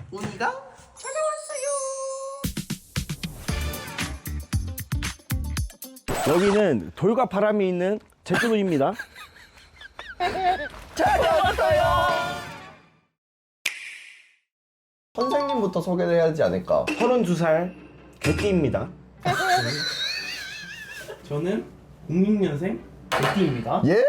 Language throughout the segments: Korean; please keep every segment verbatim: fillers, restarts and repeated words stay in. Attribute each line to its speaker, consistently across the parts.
Speaker 1: 우니가 찾아왔어요.
Speaker 2: 여기는 돌과 바람이 있는 제주도입니다.
Speaker 1: 찾아왔어요.
Speaker 3: 선생님부터 소개를 해야 하지 않을까?
Speaker 2: 서른두 살 개띠입니다.
Speaker 4: 저는 공육 년생 개띠입니다.
Speaker 3: 예?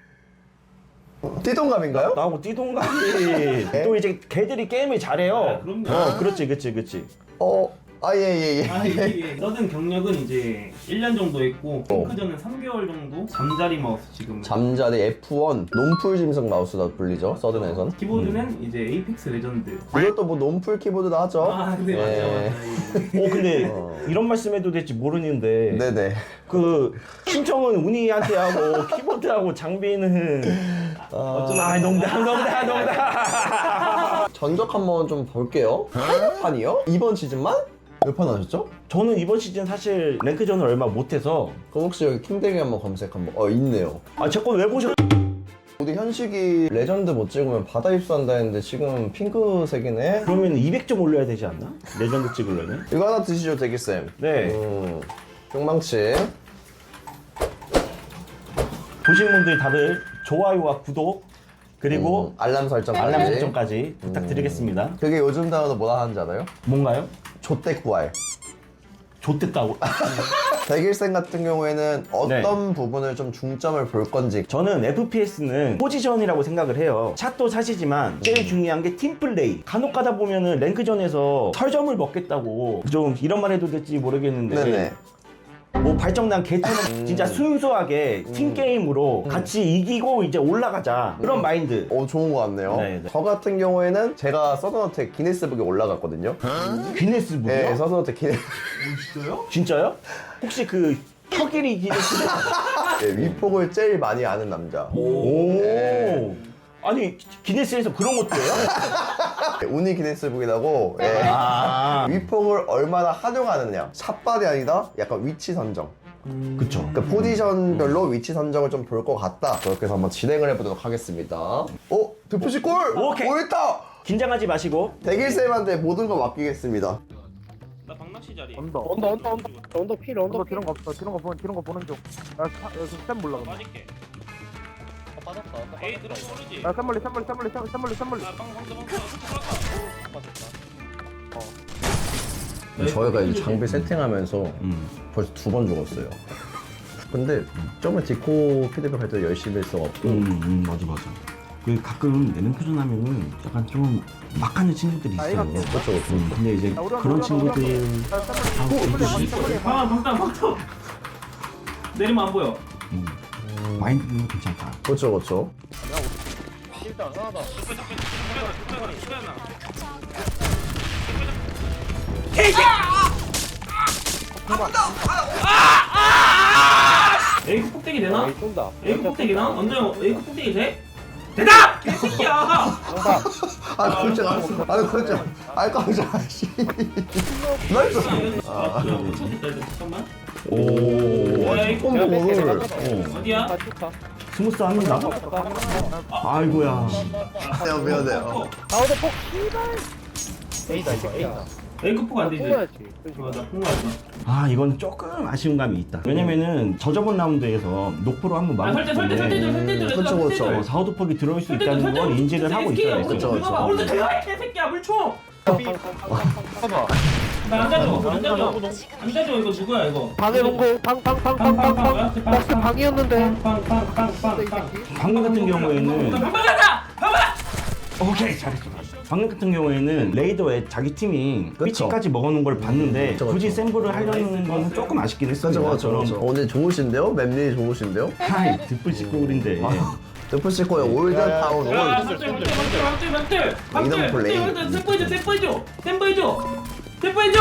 Speaker 3: 띠동갑인가요?
Speaker 2: 나하고 띠동갑이 또 이제 개들이 게임을 잘해요.
Speaker 4: 아, 그럼요.
Speaker 2: 어, 그렇지, 그렇지, 그렇지.
Speaker 3: 어, 아, 예, 예, 예.
Speaker 4: 아, 예, 예. 서든 경력은 이제 일 년 정도 했고 핑크전은 삼 개월 정도 잠자리 마우스 지금
Speaker 3: 잠자리 에프원, 논풀 짐승 마우스다 불리죠, 서든에선.
Speaker 4: 키보드는 이제 에이펙스 레전드.
Speaker 3: 이것도 뭐 논풀 키보드도 하죠.
Speaker 4: 아 근데 맞아
Speaker 3: 예.
Speaker 4: 맞아.
Speaker 2: 어, 근데
Speaker 3: 어.
Speaker 2: 이런 말씀해도 될지 모르는데
Speaker 3: 네네.
Speaker 2: 그 신청은 운이한테 하고 키보드하고 장비는 어쩌면 아, 농담, 농담, 농담.
Speaker 3: 전적 한번 좀 볼게요. 팔 판이요? 이번 시즌만? 몇 판 하셨죠?
Speaker 2: 저는 이번 시즌 사실 랭크전을 얼마 못해서
Speaker 3: 그럼 혹시 여기 킹댕이 한번 검색 한번. 어, 있네요.
Speaker 2: 아, 제 건 왜 보셨?
Speaker 3: 우리 현식이 레전드 못 찍으면 바다 입수한다 했는데 지금 핑크색이네?
Speaker 2: 그러면 이백 점 올려야 되지 않나? 레전드 찍으려면?
Speaker 3: 이거 하나 드시죠, 대기쌤.
Speaker 2: 네.
Speaker 3: 음, 뿅망치.
Speaker 2: 보신 분들 다들 좋아요와 구독 그리고
Speaker 3: 음, 알람 설정.
Speaker 2: 알람 설정까지 부탁드리겠습니다.
Speaker 3: 그게 요즘 단어로 뭐라 하는지 알아요?
Speaker 2: 뭔가요?
Speaker 3: 좆대 구할.
Speaker 2: 좋댔다고.
Speaker 3: 백일생 같은 경우에는 어떤 부분을 좀 중점을 볼 건지.
Speaker 2: 저는 에프피에스는 포지션이라고 생각을 해요. 샷도 샷이지만 제일 중요한 게 팀플레이. 간혹 가다 보면은 랭크전에서 설점을 먹겠다고 좀 이런 말 해도 될지 모르겠는데
Speaker 3: 네네.
Speaker 2: 뭐 발정난 개처럼 진짜 순수하게 팀게임으로 같이 이기고 이제 올라가자 그런 마인드.
Speaker 3: 어, 좋은 것 같네요.
Speaker 2: 네, 네.
Speaker 3: 저 같은 경우에는 제가 서든어택 기네스북에 올라갔거든요.
Speaker 2: 기네스북이요?
Speaker 3: 네, 서든어택 기네스.
Speaker 4: 진짜요?
Speaker 2: 진짜요? 혹시 그 턱일이 기네스?
Speaker 3: 네, 위폭을 제일 많이 아는 남자.
Speaker 2: 오.
Speaker 3: 네.
Speaker 2: 아니 기네스에서 그런 것도 해요?
Speaker 3: 네, 운이 기네스북이라고. 예.
Speaker 2: 아.
Speaker 3: 위폭을 얼마나 활용하느냐. 샷발이 아니라 약간 위치 선정.
Speaker 2: 그쵸.
Speaker 3: 그 포지션별로 위치 선정을 좀 볼 것 같다. 그렇게 해서 한번 진행을 해보도록 하겠습니다. 어? 대표씨 골!
Speaker 2: 오케이.
Speaker 3: 오, 있다!
Speaker 2: 긴장하지 마시고.
Speaker 3: 대길쌤한테 모든 거 맡기겠습니다.
Speaker 4: 나 박낚시 자리.
Speaker 5: 언더 언더 언더 언더 언더 필 언더 필. 그런 거 없어. 그런 거 보는 그런 거 보는 중. 야, 쌤 몰라. 근데.
Speaker 4: 빠질게. 에이 들어 모르지.
Speaker 5: 야, 쌤 멀리 쌤 멀리 쌤 멀리 쌤 멀리 쌤 멀리.
Speaker 4: 아 방금 방금 방금
Speaker 3: 저희가 이제 장비 세팅하면서
Speaker 2: 음.
Speaker 3: 벌써 두 번 죽었어요. 근데 저번에 디코 피드백 할 때 열심히 했어갖고
Speaker 2: 음, 음 맞아 맞아. 그 가끔 랭크전 하면은 약간 좀 막하는 친구들이 있어요.
Speaker 5: 아이가
Speaker 3: 그렇죠, 그렇죠.
Speaker 2: 음, 근데 이제
Speaker 5: 야, 우리
Speaker 2: 그런
Speaker 5: 언더, 우리 언더,
Speaker 2: 친구들
Speaker 5: 우리 언더. 야, 쌤 멀리 쌤 멀리 쌤 멀리.
Speaker 4: 아 방탄 방탄. 내리면 안 보여.
Speaker 2: 음, 마인드는 괜찮다.
Speaker 3: 그렇죠, 그렇죠.
Speaker 5: 일단 하나 더.
Speaker 4: 에이크 폭대기 되나?
Speaker 5: 에이, 쏜다.
Speaker 4: 에이크 폭대기 나? 완전 에이크 폭대기 돼? 대답! 개새끼야!
Speaker 5: 정답.
Speaker 3: 아, 깜짝 아, 깜짝 아, 깜짝 씨. 나이스.
Speaker 4: 아, 야, 미쳤겠다 이거 잠깐만.
Speaker 2: 오,
Speaker 4: 야, 에이크
Speaker 3: 뽕 공을.
Speaker 2: 어,
Speaker 4: 어디야?
Speaker 5: 다 축하.
Speaker 2: 스무스 합니다. 아이고야.
Speaker 3: 미안, 미안해요.
Speaker 5: 가운데 폭. 씨발. 에이다 이거 에이다.
Speaker 4: 에이크 폭 안 되지?
Speaker 5: 뽑아야지.
Speaker 4: 맞아, 폭맞아.
Speaker 2: 아 이건 조금 아쉬운 감이 있다. 왜냐면은 저저번 라운드에서 녹포로 한번
Speaker 4: 아, 설대, 설대, 설대,
Speaker 2: 막았는데
Speaker 4: 설대, 설대,
Speaker 3: 그쵸,
Speaker 4: 설대,
Speaker 3: 그쵸.
Speaker 4: 설대.
Speaker 2: 어, 사우드퍽이 들어올 수
Speaker 4: 설대,
Speaker 2: 있다는
Speaker 4: 설대,
Speaker 2: 걸
Speaker 4: 설대,
Speaker 2: 인지를
Speaker 4: 설대,
Speaker 2: 하고
Speaker 4: 설대,
Speaker 2: 있어야
Speaker 4: 설대,
Speaker 2: 돼.
Speaker 3: 그쵸, 그쵸.
Speaker 4: 설대. 오른쪽 대가리 개새끼야 물총!
Speaker 5: 봐봐.
Speaker 4: 나안 자줘, 안 자줘. 안 자줘, 이거 누구야 이거?
Speaker 5: 방에 놓고 방방방방방방 박스 방이었는데.
Speaker 4: 빵빵빵빵빵빵.
Speaker 2: 방금 같은 경우에는
Speaker 4: 방방하자! 방방!
Speaker 2: 오케이 잘했어. 방금 같은 경우에는 레이더에 자기 팀이
Speaker 3: 그쵸.
Speaker 2: 위치까지 먹어놓은 걸 봤는데
Speaker 3: 그쵸,
Speaker 2: 굳이
Speaker 3: 그쵸.
Speaker 2: 샘플을 하려는 거는 조금 아쉽긴 했습니다.
Speaker 3: 그렇죠, 그렇죠.
Speaker 2: 저런
Speaker 3: 오늘 좋으신데요? 맵리 좋으신데요?
Speaker 2: 하이 듣불식 골인데
Speaker 3: 드프시코의 올드타운 올.
Speaker 4: 야, 방들, 방들, 방들, 방들, 방들,
Speaker 3: 이동 플레이.
Speaker 4: 방들, 방들, 템포해줘, 템포해줘, 템포해줘, 템포해줘.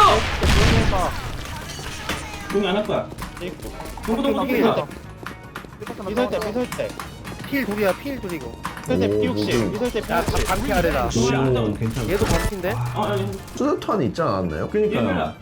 Speaker 4: 용이 안 할 거야. 동부동부 동부동부.
Speaker 5: 미설 때 미설 때. 필 둘이야 필 둘이고.
Speaker 3: 미설 때 피육십.
Speaker 5: 미설 때 야, 반피 아래다.
Speaker 2: 오 괜찮아.
Speaker 5: 얘도 반피인데?
Speaker 4: 어, 아니,
Speaker 3: 수류탄이 있지 않았나요?
Speaker 2: 그러니까요.
Speaker 4: 얘들아.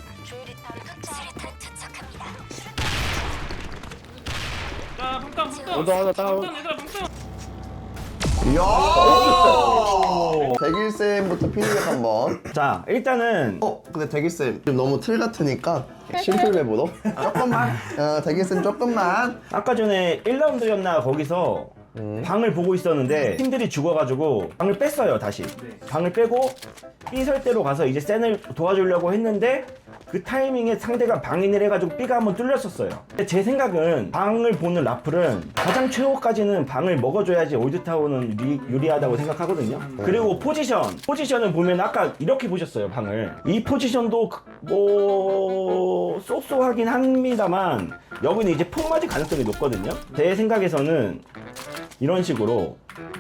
Speaker 4: 자, 방탄, 방탄.
Speaker 5: 언더 하나 다운.
Speaker 4: 방탄, 얘들아, 방탄.
Speaker 3: 이야! 대길쌤부터 피드백 한번.
Speaker 2: 자, 일단은
Speaker 3: 어, 근데 대길쌤 좀 너무 틀 같으니까 심플맵으로 조금만. 어, 대길쌤 조금만.
Speaker 2: 아까 전에 일 라운드였나 거기서
Speaker 3: 음.
Speaker 2: 방을 보고 있었는데 팀들이 죽어가지고 방을 뺐어요 다시. 방을 빼고 B 설대로 가서 이제 센을 도와주려고 했는데 그 타이밍에 상대가 방인을 해가지고 B가 한번 뚫렸었어요. 근데 제 생각은 방을 보는 라플은 가장 최후까지는 방을 먹어줘야지 올드타운은 유리, 유리하다고 생각하거든요. 그리고 포지션 포지션을 보면 아까 이렇게 보셨어요 방을. 이 포지션도 그- 뭐 쏙쏙하긴 합니다만 여기는 이제 폭 맞을 가능성이 높거든요. 제 생각에서는 이런 식으로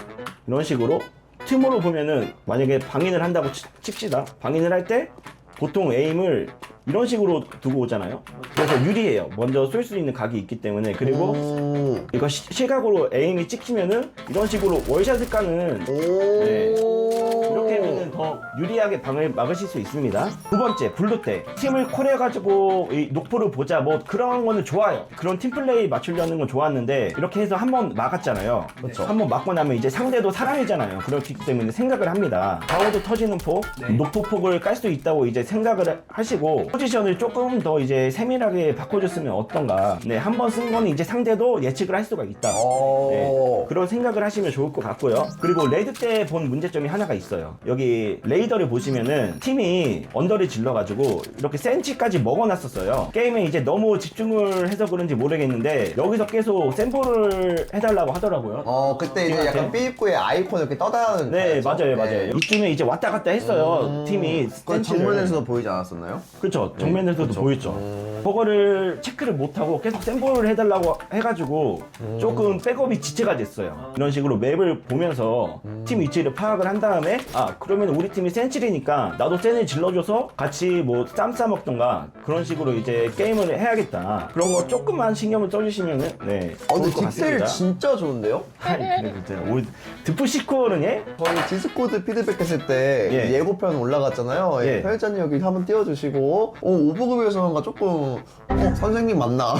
Speaker 2: 이런 식으로 틈으로 보면은 만약에 방인을 한다고 치- 칩시다. 방인을 할 때 보통 에임을 이런 식으로 두고 오잖아요. 그래서 유리해요. 먼저 쏠 수 있는 각이 있기 때문에. 그리고
Speaker 3: 음.
Speaker 2: 이거 시, 시각으로 에임이 찍히면은 이런 식으로 월샷을 까는
Speaker 3: 오.
Speaker 2: 네. 이렇게 하면은 더 유리하게 방을 막으실 수 있습니다. 두 번째, 블루 때 팀을 콜해가지고 이 녹포를 보자 뭐 그런 거는 좋아요. 그런 팀플레이 맞추려는 건 좋았는데 이렇게 해서 한번 막았잖아요.
Speaker 3: 그렇죠.
Speaker 2: 한번 막고 나면 이제 상대도 사람이잖아요. 그렇기 때문에 생각을 합니다. 방어도 터지는 폭,
Speaker 4: 네.
Speaker 2: 녹포 폭을 깔 수 있다고 이제 생각을 하시고 포지션을 조금 더 이제 세밀하게 바꿔줬으면 어떤가. 네, 한 번 쓴 거는 이제 상대도 예측을 할 수가 있다.
Speaker 3: 오.
Speaker 2: 네, 그런 생각을 하시면 좋을 것 같고요. 그리고 레드 때 본 문제점이 하나가 있어요. 여기 레이더를 보시면은 팀이 언더를 질러가지고 이렇게 센치까지 먹어놨었어요. 게임에 이제 너무 집중을 해서 그런지 모르겠는데 여기서 계속 샘플을 해달라고 하더라고요.
Speaker 3: 어, 그때 이제 약간 B 입구에 아이콘 이렇게 떠다니는.
Speaker 2: 네,
Speaker 3: 거였죠?
Speaker 2: 맞아요, 맞아요.
Speaker 3: 네.
Speaker 2: 이쯤에 이제 왔다 갔다 했어요.
Speaker 3: 음.
Speaker 2: 팀이
Speaker 3: 그
Speaker 2: 센치를.
Speaker 3: 정면에서도 보이지 않았었나요?
Speaker 2: 그렇죠. 정면에서도
Speaker 3: 그쵸.
Speaker 2: 보였죠.
Speaker 3: 음.
Speaker 2: 그거를 체크를 못하고 계속 샘플을 해달라고 해가지고 조금 백업이 지체가 됐어요. 이런 식으로 맵을 보면서 팀 위치를 파악을 한 다음에 아 그러면 우리 팀이 센칠이니까 나도 센을 질러줘서 같이 뭐 쌈 싸먹던가 그런 식으로 이제 게임을 해야겠다. 그런 거 조금만 신경을 써주시면은 네
Speaker 3: 어,
Speaker 2: 좋을
Speaker 3: 근데
Speaker 2: 것
Speaker 3: 디테일
Speaker 2: 같습니다.
Speaker 3: 진짜 좋은데요?
Speaker 2: 아이 그래 진짜 오 드프시코는 예?
Speaker 3: 저희 디스코드 피드백 했을 때
Speaker 2: 예.
Speaker 3: 예고편 올라갔잖아요.
Speaker 2: 예.
Speaker 3: 예. 편집자님 여기 한번 띄워주시고, 어, 오버급에서가 조금, 어, 선생님 맞나?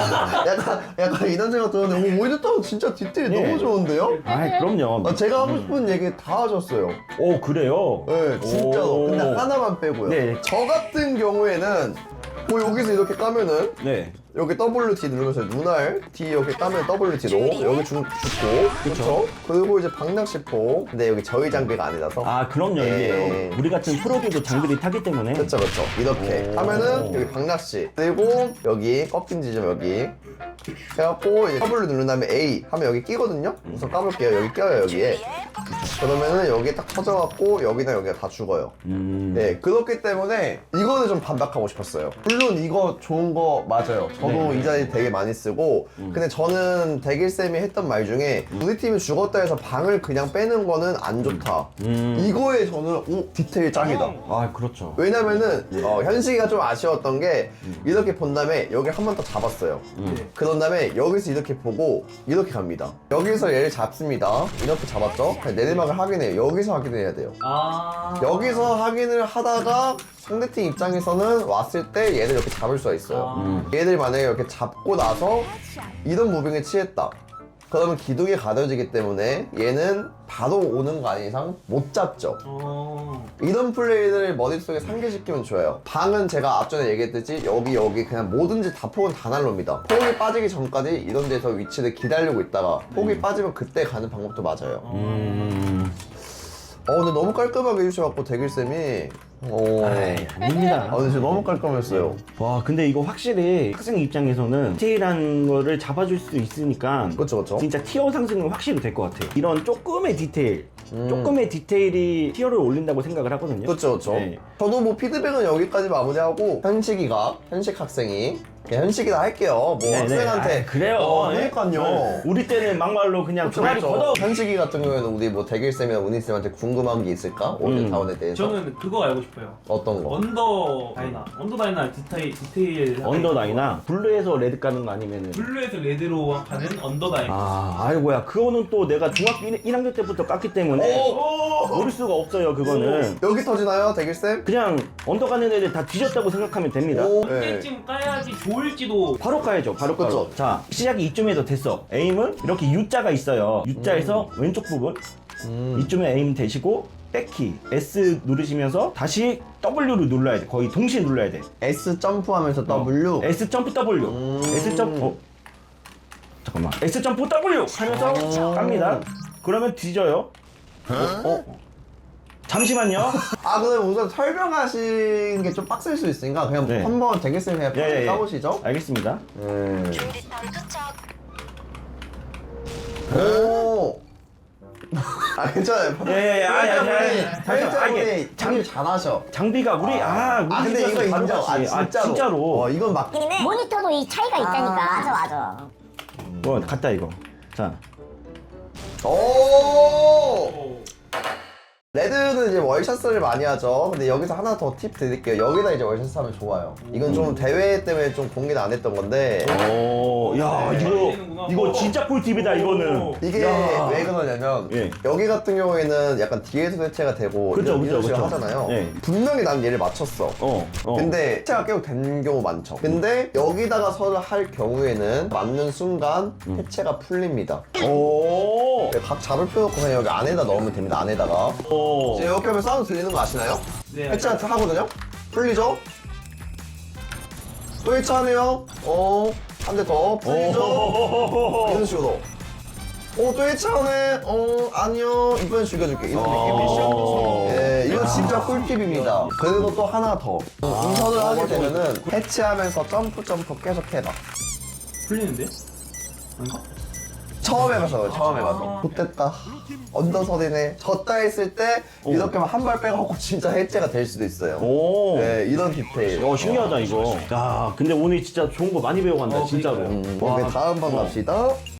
Speaker 3: 약간, 약간 이런 생각 들었는데, 오, 오히려 진짜 디테일
Speaker 2: 예.
Speaker 3: 너무 좋은데요?
Speaker 2: 아이 그럼요.
Speaker 3: 아, 제가 하고 싶은 얘기 다 하셨어요.
Speaker 2: 오 그래요?
Speaker 3: 네, 진짜로.
Speaker 2: 오.
Speaker 3: 근데 하나만 빼고요.
Speaker 2: 네.
Speaker 3: 저 같은 경우에는, 뭐 여기서 이렇게 까면은,
Speaker 2: 네.
Speaker 3: 여기 더블유 티 누르면서 눈알 D 이렇게 따면 더블유 티로 여기 죽, 죽고 그렇죠. 그리고 이제 방낚시포 근데 여기 저희 장비가 아니라서
Speaker 2: 아 그럼요
Speaker 3: 예.
Speaker 2: 이게 우리 같은 프로들도 장비를 타기 때문에
Speaker 3: 그렇죠 그렇죠 이렇게
Speaker 2: 오.
Speaker 3: 하면은 여기 방낚시 그리고 여기 꺾인 지점 여기 해갖고 이제 더블유 누른 다음에 A 하면 여기 끼거든요. 우선 까볼게요. 여기 껴요 여기에. 그러면은 여기 딱 터져갖고 여기나 여기가 다 죽어요.
Speaker 2: 음.
Speaker 3: 네, 그렇기 때문에 이거는 좀 반박하고 싶었어요. 물론 이거 좋은 거 맞아요. 저도
Speaker 2: 네.
Speaker 3: 이 자리 되게 많이 쓰고 근데 저는 대길쌤이 했던 말 중에 우리 팀이 죽었다 해서 방을 그냥 빼는 거는 안 좋다.
Speaker 2: 음.
Speaker 3: 이거에 저는 오, 디테일 짱이다.
Speaker 2: 아 그렇죠.
Speaker 3: 왜냐면은 어, 현식이가 좀 아쉬웠던 게 이렇게 본 다음에 여기 한 번 더 잡았어요. 그런 다음에 여기서 이렇게 보고 이렇게 갑니다. 여기서 얘를 잡습니다. 이렇게 잡았죠? 내리막을 확인해요. 여기서 확인해야 돼요.
Speaker 4: 아.
Speaker 3: 여기서 확인을 하다가 상대팀 입장에서는 왔을 때 얘를 이렇게 잡을 수가 있어요.
Speaker 4: 아.
Speaker 3: 얘들 만약에 이렇게 잡고 나서 이런 무빙에 취했다. 그러면 기둥이 가려지기 때문에 얘는 바로 오는 거 아닌 이상 못 잡죠.
Speaker 4: 어.
Speaker 3: 이런 플레이들을 머릿속에 상기시키면 좋아요. 방은 제가 앞전에 얘기했듯이 여기 여기 그냥 뭐든지 다 폭은 다 날릅니다. 폭이 빠지기 전까지 이런 데서 위치를 기다리고 있다가 폭이 빠지면 그때 가는 방법도 맞아요.
Speaker 2: 음.
Speaker 3: 어 근데 너무 깔끔하게 해주셔갖고 대길쌤이 어...
Speaker 2: 아이, 아닙니다.
Speaker 3: 아 근데 진짜 너무 깔끔했어요.
Speaker 2: 와 근데 이거 확실히 학생 입장에서는 디테일한 거를 잡아줄 수 있으니까
Speaker 3: 그쵸 그쵸.
Speaker 2: 진짜 티어 상승은 확실히 될 것 같아요. 이런 조금의 디테일,
Speaker 3: 음.
Speaker 2: 조금의 디테일이 티어를 올린다고 생각을 하거든요.
Speaker 3: 그쵸 그쵸.
Speaker 2: 네.
Speaker 3: 저도 뭐 피드백은 여기까지 마무리하고 현식이가 현식 학생이 그냥 현식이다 할게요. 뭐
Speaker 2: 네, 네.
Speaker 3: 학생한테
Speaker 2: 아, 그래요.
Speaker 3: 어,
Speaker 2: 네.
Speaker 3: 그러니까요.
Speaker 2: 네. 우리 때는 막말로 그냥
Speaker 3: 그쵸,
Speaker 2: 종아리
Speaker 3: 그쵸.
Speaker 2: 걷어.
Speaker 3: 현식이 같은 경우에는 우리 뭐 대길쌤이나 운이쌤한테 궁금한 게 있을까? 올드타운에 대해서
Speaker 4: 저는 그거 알고 싶어요.
Speaker 3: 어떤 거?
Speaker 4: 언더 다이나. 언더 다이나 디테일 디테일.
Speaker 2: 언더다이나 블루에서 레드 까는 거 아니면은
Speaker 4: 블루에서 레드로 가는 언더 다이나.
Speaker 2: 아 아이고야 그거는 또 내가 중학교 일 학년 때부터 깠기 때문에 모를 수가 없어요 그거는.
Speaker 3: 여기 터지나요 대길쌤?
Speaker 2: 그냥 언더 가는 애들 다 뒤졌다고 생각하면 됩니다.
Speaker 3: 오.
Speaker 4: 언제쯤 까야지 좋을지도.
Speaker 2: 바로 가야죠. 바로
Speaker 3: 그쵸.
Speaker 2: 가죠. 자, 시작이 이쯤에서 됐어. 에임은 이렇게 U자가 있어요. U자에서 왼쪽 부분
Speaker 3: 음.
Speaker 2: 이쯤에 에임 되시고 백키 S 누르시면서 다시 W를 눌러야 돼. 거의 동시에 눌러야 돼.
Speaker 3: S 점프하면서 W.
Speaker 2: S 점프 W.
Speaker 3: 음.
Speaker 2: S 점프. 어. 잠깐만. S 점프 W 하면서 깝니다. 그러면 뒤져요.
Speaker 3: 어?
Speaker 2: 잠시만요.
Speaker 3: 아 그럼 우선 설명하시는 게 좀 빡셀 수 있으니까 그냥
Speaker 2: 네.
Speaker 3: 한번 되겠으면 그냥
Speaker 2: 예, 예, 예.
Speaker 3: 까보시죠.
Speaker 2: 알겠습니다.
Speaker 3: 음. 오. 아 괜찮아요.
Speaker 2: 예, 예, 예. 아니, 아니, 아니. 잠시만. 아,
Speaker 3: 장
Speaker 2: 이게
Speaker 3: 장님 잘하셔.
Speaker 2: 장비가 우리 아, 우리
Speaker 3: 아 근데 이거
Speaker 2: 집이어서
Speaker 3: 인정. 아
Speaker 2: 다르지.
Speaker 3: 진짜로.
Speaker 2: 진짜로.
Speaker 3: 어 이건 막.
Speaker 1: 모니터도 이 차이가 있다니까. 맞아 맞아.
Speaker 2: 어, 갔다 이거. 자.
Speaker 3: 오. 레드는 이제 월샷을 많이 하죠. 근데 여기서 하나 더 팁 드릴게요. 여기다 이제 월샷 하면 좋아요. 이건 좀 대회 때문에 좀 공개는 안 했던 건데
Speaker 2: 오, 야,
Speaker 3: 네.
Speaker 2: 이거 이거 진짜 꿀팁이다 이거는.
Speaker 3: 이게
Speaker 2: 야.
Speaker 3: 왜 그러냐면
Speaker 2: 예.
Speaker 3: 여기 같은 경우에는 약간 뒤에서 대체가 되고
Speaker 2: 그죠,
Speaker 3: 이런,
Speaker 2: 그죠,
Speaker 3: 이런 식으로
Speaker 2: 그죠.
Speaker 3: 하잖아요.
Speaker 2: 예.
Speaker 3: 분명히 난 얘를 맞췄어.
Speaker 2: 어. 어.
Speaker 3: 근데 해체가 계속 된 경우 많죠. 근데 여기다가 서로 할 경우에는 맞는 순간
Speaker 2: 음.
Speaker 3: 해체가 풀립니다.
Speaker 2: 오.
Speaker 3: 각 잡을 필요 없고 그냥 여기 안에다 넣으면 됩니다. 안에다가.
Speaker 2: 오.
Speaker 3: 이제 이렇게 하면 사운드 들리는 거 아시나요?
Speaker 4: 네.
Speaker 3: 해체가 하거든요? 풀리죠? 또 해체하네요. 어, 한 대 더. 풀리죠? 이런 식으로. 어, 또 해체하네. 어, 아니요. 이번엔 죽여줄게. 이런
Speaker 2: 오.
Speaker 3: 느낌. 예, 이거 진짜 꿀팁입니다. 그리고 또 하나 더. 운선을 하게 되면은 해체하면서 점프 점프 계속 해봐.
Speaker 4: 풀리는데? 아닌가?
Speaker 3: 처음 해봐서 처음 해봐서 못됐다 언더선이네 졌다 했을 때 이렇게 한 발 빼갖고 진짜 해체가 될 수도 있어요.
Speaker 2: 오.
Speaker 3: 네 이런 디테일.
Speaker 2: 어, 신기하다 이거. 야, 근데 오늘 진짜 좋은 거 많이 배워간다 진짜로.
Speaker 3: 음,
Speaker 2: 와.
Speaker 3: 오케이 다음 번 갑시다.